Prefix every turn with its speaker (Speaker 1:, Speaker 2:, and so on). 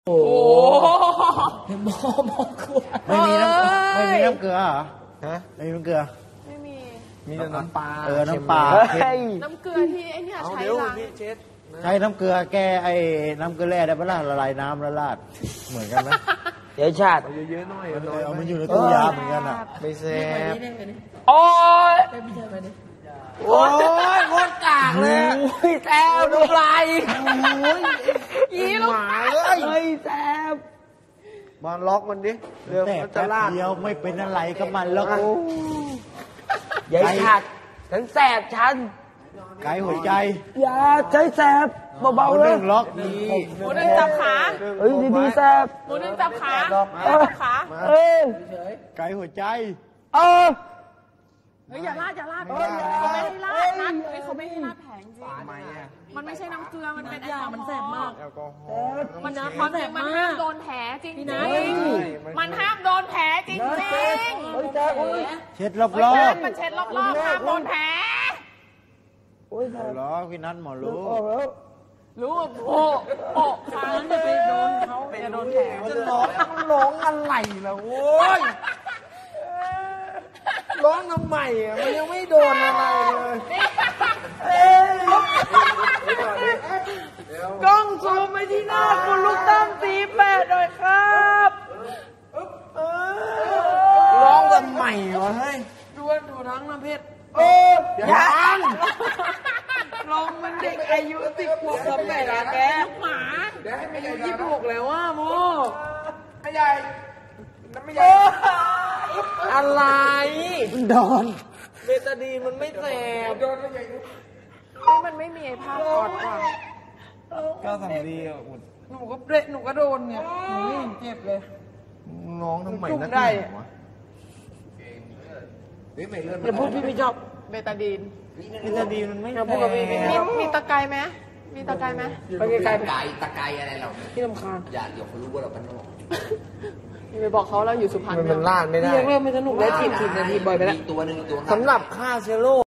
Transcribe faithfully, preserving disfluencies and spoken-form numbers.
Speaker 1: โอ้โหมอมอขวดไม่มีน้ำไม่มีน้ำเกลือเหรอฮะไม่มีน้ำเกลือ
Speaker 2: ไม่มี
Speaker 1: มีแต่น้ำปลาเออน้ำปลา
Speaker 2: น้ำเกลือที่ไอ้เนี่ยใช้ล้าง
Speaker 1: ใช้น้ำเกลือแก้ไอ้น้ำเกลือแร่ได้ปะล่ะละลายน้ำละลาดเหมือนกันไหม
Speaker 3: เยอะชาติ
Speaker 1: เยอะๆหน่อยเอามันอยู่ในตู้ยาเหมือนกันอ่ะ
Speaker 3: ไม่แซ่บโอ้ยโอ้ยโคตรกากเลยแซ่บดูลาย
Speaker 2: ยี่ลูก
Speaker 3: หมาเลยเฮ้ยแซ่บมาล็อกมันดิ
Speaker 1: เดี๋ยวจะลาดเดียวไม่เป็นอะไรก็มันแล้ว
Speaker 3: ใหญ่ชาติฉันแสบฉัน
Speaker 1: ไกหัวใจ
Speaker 3: อย่าใช้แสบเบาๆเลย
Speaker 1: ล็อก
Speaker 2: หมูหนึ่งจับขา
Speaker 3: เฮ้ยดีๆแสบ
Speaker 2: หมูหนึ่งจับขาจับขา
Speaker 3: เออ
Speaker 1: ไกหัวใจ
Speaker 3: เออ
Speaker 2: เฮ้ยอย่าลาดอย่าลาดเขาไม่ให้ลาดนะเฮ้ยเขาไม่ให้ลาดแผงจริงมันไม่ใช่น้ำเกลือมันเป็นยามันแสบมากมันนะมันแสบมันห้ามโดนแผลจริงจริงมันห้ามโดนแผลจริงจริง
Speaker 1: เช็ดรอบ
Speaker 2: ๆมันเช็ดรอบๆห้ามโดนแผล
Speaker 1: โอ้ยเหรอพี่นัทหมอรู้
Speaker 2: รู้โอ้โอ้ค้างจะไปโดนเขาจะโดนแผล
Speaker 3: จะร้องร้องอะไรล่ะโว้ยร้องทำไมอ่ะมันยังไม่โดนอะไรเลยกล้องซูมไปที่หน้าคุณลูกตั้มสีแปดหน่อยครับร้องทำไมวะเฮ้ยดูดูทั้งน้ำเพชรเออยังร้องมันเด็กอายุสิบขวบทำไงล่ะแก
Speaker 2: หมา
Speaker 3: อายุยี่สิบหกแล้วว่าโมไม่ใหญ่ไม่ใหญ่อะไร
Speaker 1: โดน
Speaker 3: เบตาดีนมันไม่แสบโดนไม่ใหญ่
Speaker 2: เฮ้ยมันไม่มีไอ้ภาพกอดว่ะ
Speaker 1: ก็ทำดีอ่ะ
Speaker 3: หนูก็เละหนูก็โดนเนี่ยหนูไม่เห็นเจ็บเลย
Speaker 1: น้องทำไมนัก
Speaker 3: ได้
Speaker 1: วะ
Speaker 3: อย่าพูดพี่ไม่ชอบ
Speaker 2: เบตาดีน
Speaker 1: เบตาดีนมันไม่
Speaker 3: พูดกับพี่
Speaker 2: มีมีตะไคร้ไหมมีตะไคร้ไหม
Speaker 3: ตะไคร้
Speaker 4: ไก่ตะไคร้อะไรเรา
Speaker 3: พี่ลำคาญ
Speaker 4: อย่าเดี๋ยวเขารู้ว่าเราเป็นโรค
Speaker 2: ไปบอกเขาเราอยู่สุพรรณ
Speaker 3: มันลาดไม่ได้ยังเริ่มไม่สนุกแล้วทีมทีมนาทีบ่อยไปแล้ว
Speaker 4: ตัวหนึ่งตัว
Speaker 3: สำหรับฆ่าเชื้อโรค